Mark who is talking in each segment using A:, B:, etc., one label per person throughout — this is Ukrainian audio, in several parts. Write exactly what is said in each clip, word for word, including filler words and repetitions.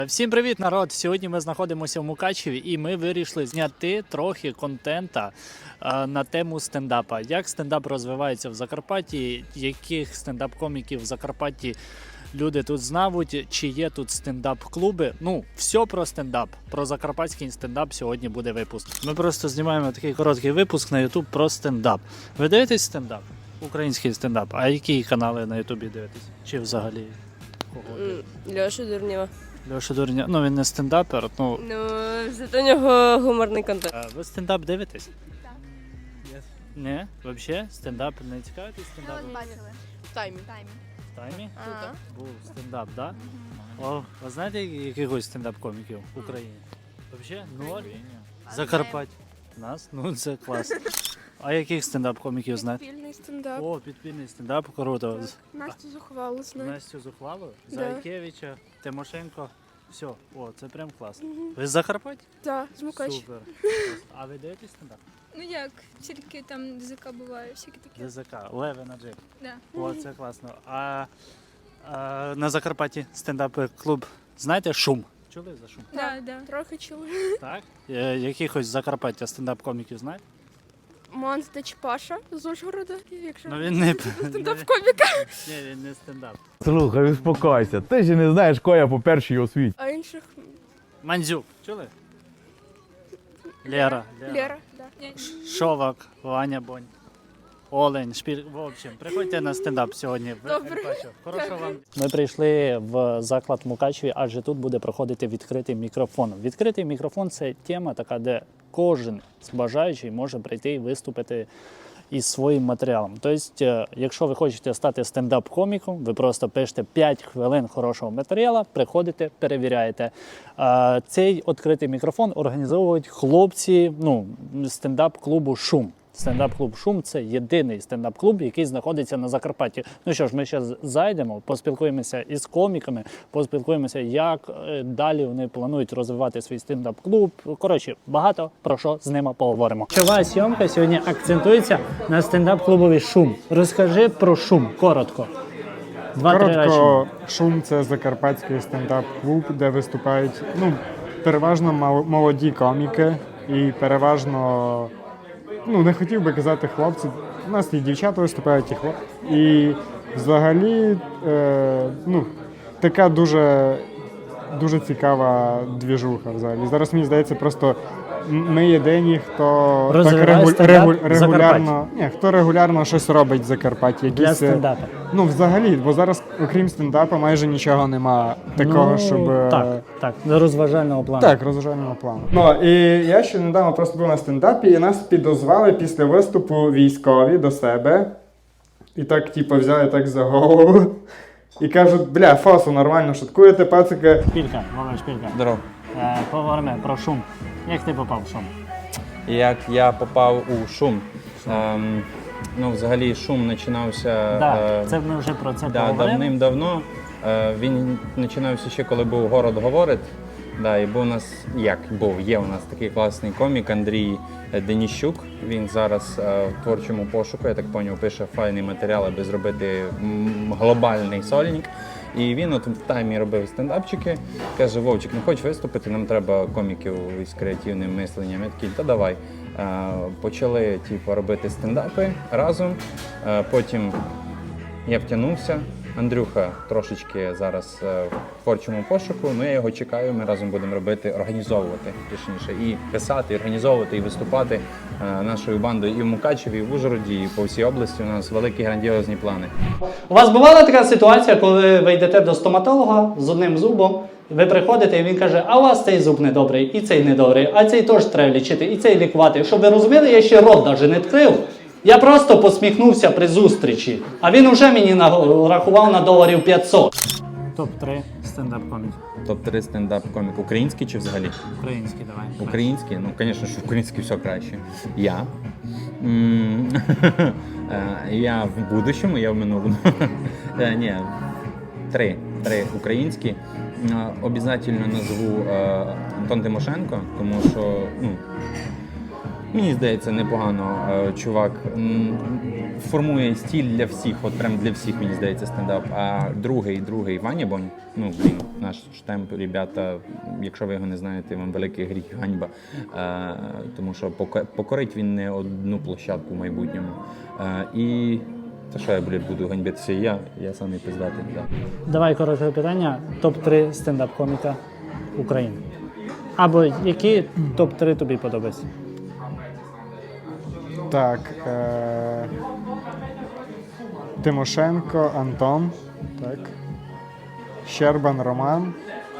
A: Всім привіт, народ! Сьогодні ми знаходимося в Мукачеві і ми вирішили зняти трохи контента е, на тему стендапа. Як стендап розвивається в Закарпатті, яких стендап-коміків в Закарпатті люди тут знають, чи є тут стендап-клуби. Ну, все про стендап, про закарпатський стендап сьогодні буде випуск. Ми просто знімаємо такий короткий випуск на YouTube про стендап. Ви дивитесь стендап? Український стендап. А які канали на Ютубі дивитесь? Чи взагалі кого?
B: Льоша Дурнєва.
A: Льоша Дурня, ну він не стендапер, ну...
B: Ну, зато у нього гуморний контент.
A: А ви стендап дивитесь? Так. Yes. Не? Взагалі? Стендап не цікавитесь стендапом?
C: Бачили.
B: В таймі.
C: Таймі.
A: В таймі?
C: Ага.
A: Був стендап, так? Да? О, ви знаєте якихось стендап-коміків в Україні? Взагалі? Ноль? Закарпаття. Нас? Ну це клас. А яких стендап-коміків знаєте?
C: Підпільний стендап.
A: О, підпільний стендап, круто.
C: Настю Зухвалу знаю.
A: Настю Зухвалу,
C: Да.
A: Зайкевича, Тимошенко. Все, о, це прям класно. Ви з Закарпаття?
C: Так, з Мукач.
A: Супер. А ви дивитесь стендап?
D: Ну як, тільки там ДЗК буває, всякі такі.
A: ДЗК, Леве на Джек.
D: Да.
A: О, це класно. А, а на Закарпатті стендап-клуб, знаєте, Шум? Чули за Шум?
D: Да, да.
C: Трохи чули.
A: Так? Е, якихось з Закарпаття стендап-коміків знаєте?
C: Монстач Паша з Ужгорода, якщо
A: Ну він не...
C: стендап-коміка.
A: Ні, він не стендап.
E: Слухай, успокойся, ти ж не знаєш, кого я по першій освіті.
C: А інших
A: Мандзюк, чули? Лера.
C: Лера. Да.
D: Ні,
A: Шовак, Ваня Бонь. Олень, Шпіль. В общем, приходьте на стендап сьогодні. в
C: Добре.
A: Ерпачу. Хорошого вам. Ми прийшли в заклад Мукачеві, адже тут буде проходити відкритий мікрофон. Відкритий мікрофон – це тема така, де кожен з бажаючих може прийти і виступити із своїм матеріалом. Тобто, якщо ви хочете стати стендап-коміком, ви просто пишете п'ять хвилин хорошого матеріалу, приходите, перевіряєте. Цей відкритий мікрофон організовують хлопці ну, стендап-клубу «Шум». Стендап-клуб «Шум» – це єдиний стендап-клуб, який знаходиться на Закарпатті. Ну що ж, ми зараз зайдемо, поспілкуємося із коміками, поспілкуємося, як далі вони планують розвивати свій стендап-клуб. Коротше, багато про що з ними поговоримо. Чова зйомка сьогодні акцентується на стендап-клубові «Шум». Розкажи про «Шум», коротко. Два-три речення.
F: Коротко, «Шум» – це закарпатський стендап-клуб, де виступають ну, переважно мал- молоді коміки і переважно, ну не хотів би казати хлопці, у нас і дівчата виступають, і хлопці. І взагалі е, ну, така дуже, дуже цікава двіжуха взагалі. Зараз мені здається, просто ми єдині, хто так
A: Розвиває
F: регу-
A: стендап
F: регу-
A: в
F: регулярно, ні, хто регулярно щось робить в Закарпатті.
A: Для
F: Якісь,
A: стендапу.
F: ну, взагалі, бо зараз, окрім стендапу, майже нічого нема такого,
A: Ну,
F: щоб... е,
A: Так, так, до розважального плану.
F: Так, розважального плану. Ну, і я ще недавно просто був на стендапі, і нас підозвали після виступу військові до себе. І так, типу, взяли так за голову. І кажуть, бля, фасу, нормально шуткуєте, пацики.
A: Шпілька, Вова, Шпілька.
G: Здоров.
A: Е, Поговоримо про «Шум». Як ти попав в «Шум»?
G: Як я попав у шум. Ем, ну, взагалі шум починався
A: Так,
G: е,
A: це ми вже про це
G: да,
A: поговоримо.
G: давним-давно. Е, він починався ще, коли був «Город говорить». Да, і був у нас, як був, є у нас такий класний комік Андрій Деніщук. Він зараз е, в творчому пошуку, я так зрозумів, пише файний матеріал, аби зробити м, глобальний сольник. І він от в таймі робив стендапчики. Каже: Вовчик, не хочеш виступити, нам треба коміків із креативним мисленням. Я такий, та давай. Е, почали типу, робити стендапи разом. Е, потім я втягнувся. Андрюха трошечки зараз е, в творчому пошуку, ну я його чекаю, ми разом будемо робити, організовувати, точніше, і писати, і організовувати, і виступати е, нашою бандою і в Мукачеві, і в Ужгороді, і по всій області. У нас великі грандіозні плани.
A: У вас бувала така ситуація, коли ви йдете до стоматолога з одним зубом, ви приходите і він каже, а у вас цей зуб недобрий, і цей недобрий, а цей теж треба лічити, і цей лікувати. Щоб ви розуміли, я ще рот навіть не відкрив. Я просто посміхнувся при зустрічі, а він уже мені нарахував на доларів п'ятсот. топ три стендап-коміків.
G: топ три стендап-комік. Український чи взагалі?
A: Український, давай.
G: Український? Ну, звісно, що український все краще. Я. М, е, Я в будущому, я в минулому. Е, Ні, три. Три українські. Е, Обязательно назву е, Антон Тимошенко, тому що, ну, Мені здається, непогано е, чувак м, формує стиль для всіх, от прям для всіх, мені здається, стендап. А другий, другий Ваня Бонь, ну, блін, наш штемп, ребята, якщо ви його не знаєте, вам великий гріх, ганьба. Е, тому що поко- покорить він не одну площадку в майбутньому. Е, і та що я, блін, буду ганьбитися я, я самий пиздатий. Да.
A: Давай коротке питання. топ три стендап-коміка України. Або які топ три тобі подобаються?
F: Так. Е- Тимошенко Антон. Так. Щербан Роман.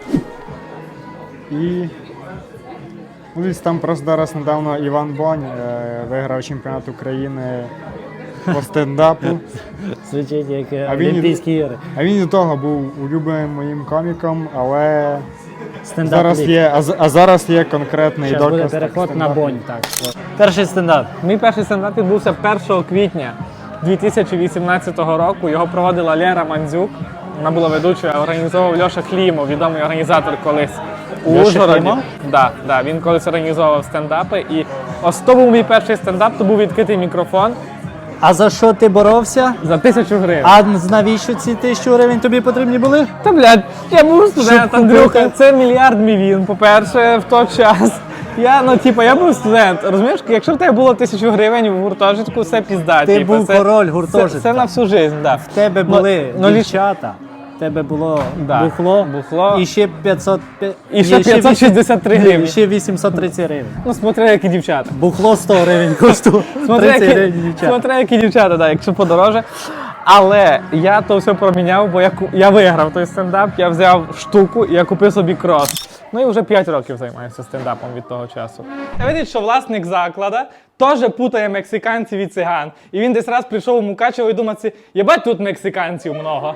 F: І. Ну, десь там просто зараз недавно Іван Бонь е- виграв чемпіонат України по стендапу.
A: Звучить як
F: А він-
A: Олімпійські ігри.
F: А він і до того був улюбленим моїм коміком, але
A: Стендап
F: зараз
A: ліг.
F: є, а, з- а зараз є конкретний
A: Зараз буде
F: доказ. так,
A: переход на
F: стендапу.
A: Бонь. Так. Перший стендап.
H: Мій перший стендап відбувся першого квітня дві тисячі вісімнадцятого року. Його проводила Лера Мандзюк. Вона була ведучою, а організовував Льоша Клімов, відомий організатор колись у
A: Льоша
H: Ужгороді.
A: Клімов?
H: Да, да, він колись організовував стендапи. І ось то був мій перший стендап, то був відкритий мікрофон
A: А за що ти боровся?
H: за тисячу гривень.
A: А навіщо ці тисячу гривень тобі потрібні були?
H: Та, блядь, я був студент,
A: Щоб
H: Андрюха,
A: купити.
H: це мільярд мівін, по-перше, в той час. Я, ну, типу, я був студент, розумієш, якщо в тебе було тисячу гривень в гуртожитку, це пізда.
A: Ти
H: типу,
A: був
H: це,
A: король гуртожитка.
H: Це, це на всю життя, да.
A: В тебе були
H: ну, ліч-
A: дівчата, в тебе було
H: Да.
A: бухло,
H: Бухло.
A: і ще п'ятсот...
H: І ще
A: ні,
H: п'ятсот шістдесят три
A: ні,
H: гривні.
A: і ще вісімсот тридцять гривень.
H: Ну, смотри, які дівчата.
A: Бухло сто гривень коштує,
H: Смотри,
A: тридцять
H: які,
A: гривень дівчата.
H: смотри, які дівчата, да, якщо подороже. Але я то все проміняв, бо я, ку- я виграв той стендап, я взяв штуку і я купив собі крос. Ну і вже п'ять років займаюся стендапом від того часу. Я видить, що власник заклада теж путає мексиканців і циган. І він десь раз прийшов у Мукачево і думав, єбать, тут мексиканців много.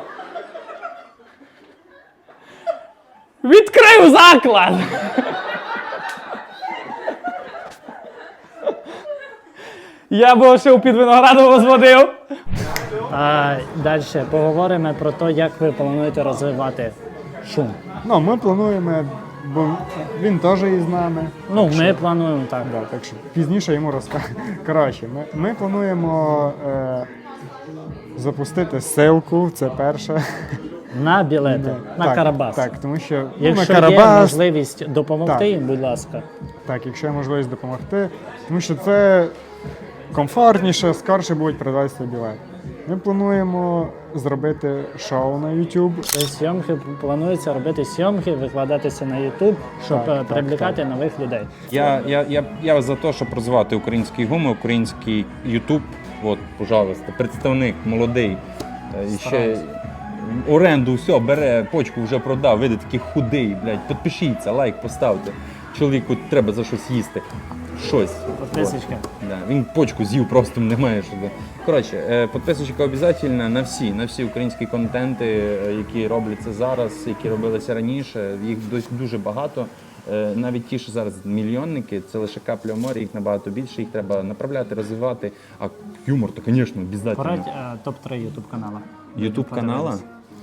H: Відкрив заклад! Я б ще у під виноградом розводив.
A: А далі поговоримо про те, як ви плануєте розвивати шум.
F: Ну, ми плануємо, бо він теж із нами.
A: Ну, ми плануємо так.
F: Да, так що пізніше йому розкажу. Коротше, ми, ми плануємо е, запустити ссылку, це перше.
A: На білети, на
F: так,
A: Карабас.
F: Так, тому що ну, на
A: Якщо є
F: Карабас,
A: можливість допомогти
F: Так.
A: їм, будь ласка.
F: так, якщо є можливість допомогти, тому що це комфортніше, скорше будуть продаватися білети. Ми плануємо зробити шоу на YouTube.
A: Зйомки планується робити зйомки, викладатися на YouTube, щоб
F: Так,
A: е,
F: так,
A: привлекати нових людей.
G: Я, я, я, я за те, щоб розвивати український гумор, український Ютуб. От, пожалуйста, представник молодий. е, І ще оренду, все, бере, почку вже продав, видите, такий худий, блядь, підпишіться, лайк поставте. Чоловіку треба за щось їсти. Щось.
A: Підписочка.
G: От. Да. Він почку з'їв, просто немає що. да. Коротше, е, підписочка обов'язково на всі, на всі українські контенти, е, які робляться зараз, які робилися раніше. Їх досі дуже багато. Е, Навіть ті, що зараз мільйонники, це лише капля в морі, їх набагато більше, їх треба направляти, розвивати. А юмор, то, звісно, обов'язково.
A: Порадь е, топ три YouTube канала.
G: Ютуб канала.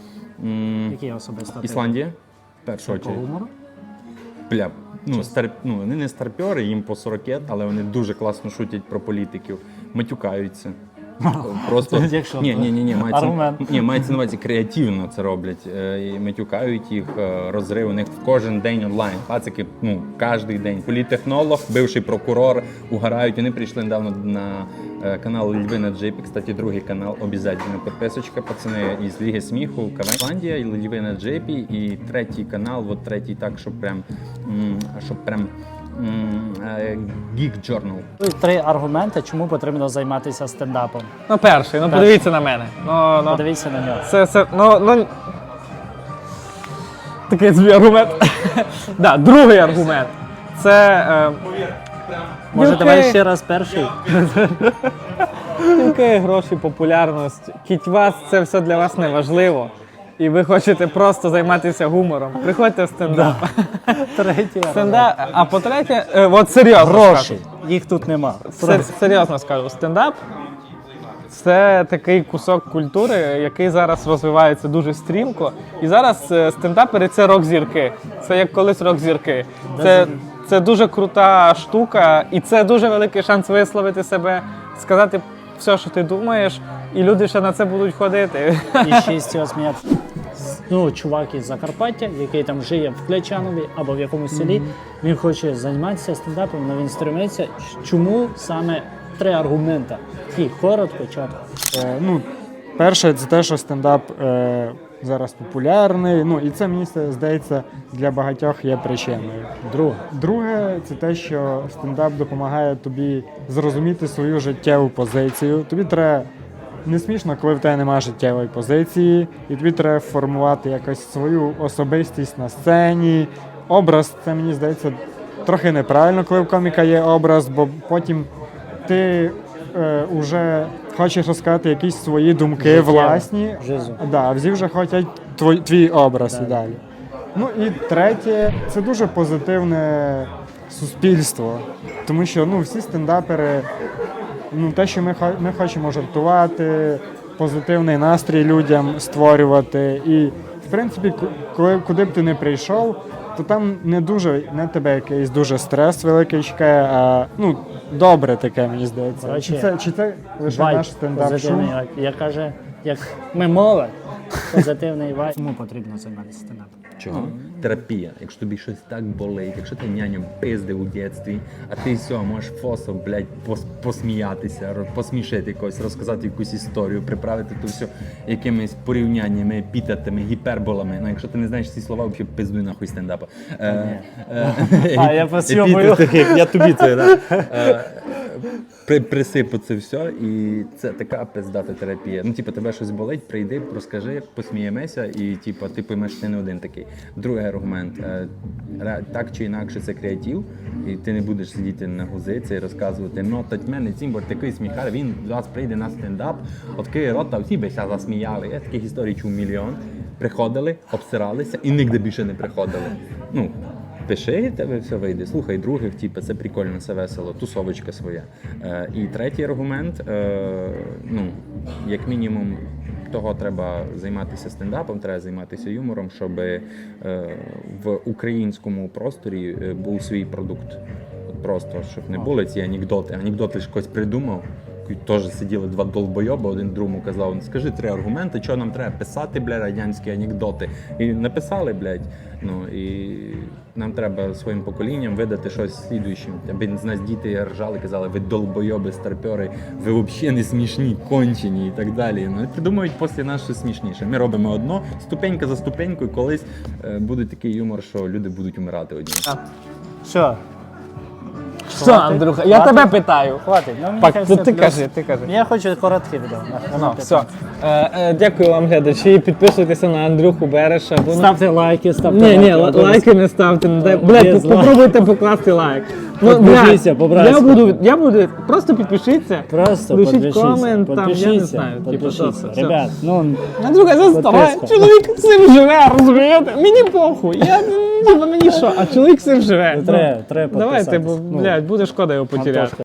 G: М,
A: Які особисто? ти?
G: Ісландія, в першу
A: По
G: очередь.
A: гумору?
G: Бля, ну, стар, ну, вони не старпьори, їм по сорок, але вони дуже класно шутять про політиків, матюкаються. Просто
A: Якщо
G: ні, ні, ні, ні, мається,
A: аргумент.
G: ні, мається на увазі креативно це роблять. Е, і матюкають їх, е, розрив у них кожен день онлайн. Пацики, ну, кожен день. Політтехнолог, бивший прокурор, угорають. Вони прийшли недавно на е, канал Льви на Джипі. Кстати, другий канал обов'язково підписочка, пацани із Ліги сміху, Кавендія, і Льви на Джипі. І третій канал, от третій так, щоб прям, м, щоб прям м, е, Geek Journal.
A: Три аргументи, чому потрібно займатися стендапом.
H: Ну, перший, ну подивіться на мене. Ну, ну.
A: Подивіться на нього.
H: Це, це, ну, ну... Такий собі аргумент. Да, другий аргумент. Це... Е...
A: Може,
H: дівки,
A: давай ще раз перший?
H: дівки, гроші, популярність. Кіть вас, це все для вас не важливо. І ви хочете просто займатися гумором. Приходьте в стендап.
A: Третій
H: Стендап. А по-третє, е, от серйозно
A: Гроші.
H: скажу.
A: Їх тут нема.
H: Сер- серйозно скажу, стендап це такий кусок культури, який зараз розвивається дуже стрімко. І зараз е, стендапери це рок-зірки. Це як колись рок-зірки. Це, Це дуже крута штука, і це дуже великий шанс висловити себе, сказати все, що ти думаєш, і люди ще на це будуть ходити.
A: І ще з цього сміятися. Ну, чувак із Закарпаття, який там живе в Клячанові або в якомусь селі, він хоче займатися стендапом, але він стремиться. Чому саме три аргументи? Такі коротко, чітко.
F: Е, ну, перше, це те, що стендап е, зараз популярний. Ну, і це, мені здається, для багатьох є причиною.
A: Друге.
F: Друге, це те, що стендап допомагає тобі зрозуміти свою життєву позицію. Тобі треба не смішно, коли в тебе немає життєвої позиції, і тобі треба формувати якось свою особистість на сцені. Образ, це, мені здається, трохи неправильно, коли в коміка є образ, бо потім ти е, вже хочеш розказати якісь свої думки
A: Життєво.
F: власні.
A: Жизу.
F: Да, всі вже хочуть твій, твій образ
A: Да.
F: і далі. Ну і третє, це дуже позитивне суспільство. Тому що ну, всі стендапери, ну, те, що ми, хо- ми хочемо жартувати, позитивний настрій людям створювати. І, в принципі, ку- коли, куди б ти не прийшов, то там не дуже, не тебе якийсь дуже стрес великий чекає, а ну, добре таке, мені здається.
A: Коротше,
F: Чи це, чи це лише
A: Вайб
F: наш стендап-шум?
A: позитивний вайб. Я каже, як ми мова, позитивний вайб. Чому потрібно займатися стендапом?
G: Чого? Терапія. Якщо тобі щось так болить, якщо ти няню пиздив у дитинстві, а ти все, можеш фосом, блядь, пос- посміятися, ро- посмішити когось, розказати якусь історію, приправити то все якимись порівняннями, епітетами, гіперболами. Ну, якщо ти не знаєш ці слова, взагалі пиздуй нахуй стендапа. Е, е,
A: А, я посйомую.
G: епітети, як я тобі це, да. Е, при- Присипу це все, і це така пиздата терапія. Ну, типу, тебе щось болить, прийди, розкажи, посміємося, і типу, ти поймеш, що ти не один такий. Другий аргумент. е, ре- Так чи інакше це креатив, і ти не будеш сидіти на гузиці і розказувати, ну, тать мене цим, бо такий сміхар, він до вас прийде на стендап, откриє рота, всі би ся засміяли. Я таких історій чув мільйон. Приходили, обсиралися і нігде більше не приходили. Ну, пиши, і в тебе все вийде. Слухай других, типу, це прикольно, це весело, тусовочка своя. Е, і третій аргумент, е, ну, як мінімум, того треба займатися стендапом, треба займатися юмором, щоб е, в українському просторі е, був свій продукт. От просто, щоб не були ці анекдоти. Анекдоти ж хтось придумав. Теж сиділи два долбойоби, один другому казав, скажи три аргументи, що нам треба писати, бля, радянські анекдоти. І написали, блядь. Ну, і нам треба своїм поколінням видати щось слідуючим. Аби з нас діти ржали, казали, ви долбойоби, старпьори, ви взагалі не смішні, кончені і так далі. Ну, і придумують після нас щось смішніше. Ми робимо одно, ступенька за ступенькою, колись е, буде такий юмор, що люди будуть умирати одні.
A: Що?
H: Що, Андрюха, я
A: Хватить?
H: тебе питаю.
A: Хватить. Ну, мені
H: Так,
A: кажеться,
H: ти, ти
A: плюс-
H: кажи, ти кажи.
A: Я хочу коротке відео.
H: Ну, все. Е, е, дякую вам, глядачі. Підписуйтеся на Андрюху Береша. Бо...
A: Ставте лайки, ставте
H: Ні, ні,
A: лайки.
H: ла- лайки не ставте. не дай- Блядь,
A: Без
H: по-
A: лайків.
H: попробуйте покласти лайк. Ну,
A: Підпишіться,
H: блядь,
A: по-братськи.
H: я буду, я буду, просто підпишіться.
A: Просто
H: Лишіть
A: підпишіться,
H: комент, там, я не
A: підпишіться,
H: знаю. Типу,
A: підпишіться.
H: все, все.
A: Ребят, ну,
H: Андрюха, заставай,
A: Підписка.
H: чоловік цим живе, розумієте? Мені похуй, я, типу, мені що, а чоловік цим живе.
A: треба, треба
H: Давайте, бо,
A: підписатись. Ну,
H: блядь, буде шкода його потеряти.
A: Антошка.